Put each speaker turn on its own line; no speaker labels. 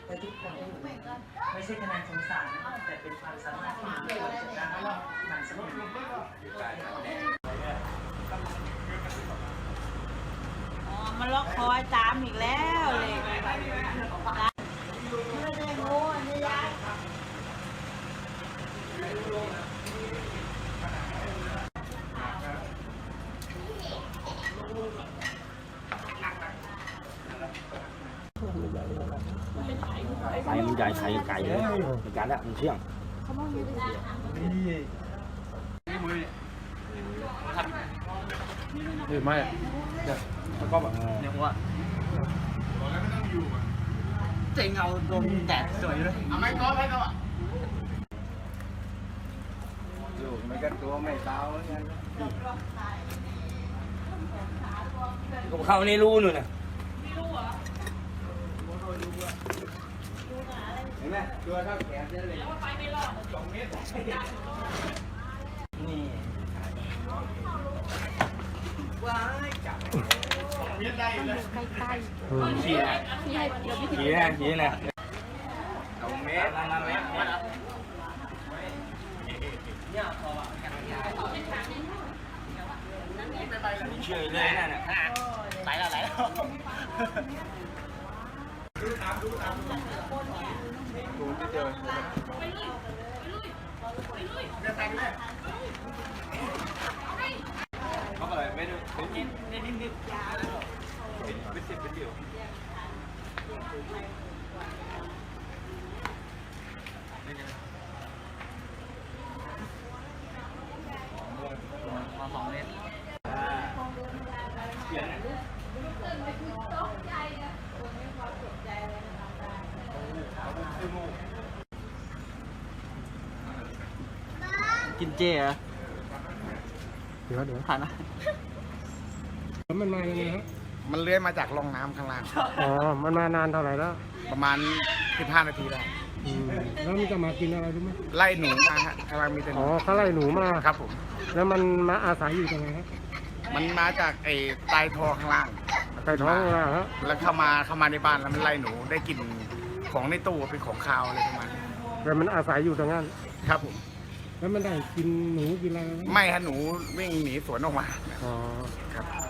และทุกคนที่อยู่ไม่ใช่คะแนนสงสารแต่เป็นความสามารถที่มีควรจะได้มันสนุก
มันล็อกคอยตามอีกแล้วเลยไม่ได้โง่นี่ยาย
ไข่มันใหญ่ไข่ไก่เลยในการแล้วมันเชี่ยงนี่ไม่แล้วก็แบบเนี่ยว่าเจ๋งเอาโดนแดดสวยเลยไม่ก้อนไม่ก้อนอยู่ไม่กันตัวไม่เท้าเนี่ยก็เข้าในรูนู่นน่ะเห็นไหมตัวเท่าแขนเลยแล้วไปไม่รอด2 เมตรนี่ว้ายจับเมตรได้เลยใกล้ๆชี้นะชี้นะ2 เมตรนั่นแหละเนี่ยพอเชื่อเลยนั่นน่ะไหลแล้วดูตามดูไม่เจอไปลุยจะแต่งเลยเขาบอกไม่ดูเขากินนิดเป็น10เป็นเดียวมา2 เมตรเปลี่ยนกินเจเหรอเดี๋ยวผ่านนะแล้วมันมายังไงครับ
มันเลื้อยมาจากร่องน้ำข้างล่าง
อ๋อมันมานานเท่าไหร่แล้ว
ประมาณ15 นาทีได้
แล้วมันจะมากินอะไรรู้ไหม
ไล่หนูมาฮะกำลังมีแต่หนู
เขาไล่หนูมา
ครับผม
แล้วมันมาอาศัยอยู่ตรงไหนครับ
มันมาจากไอ้ใต้ท่อข้างล่าง
ใต้ท้องข้างล่างฮะ
แล้วเข้ามาในบ้านแล้วมันไล่หนูได้กลิ่นของในตู้เป็นของคาวอะไรประมาณนี้
แต่มันอาศัยอยู่ตรงนั้น
ครับผม
แล้วมันได้กินหนูกินอะไร
ไม่ฮะหนูวิ่งหนีสวนออกมา
อ๋อ
ครับ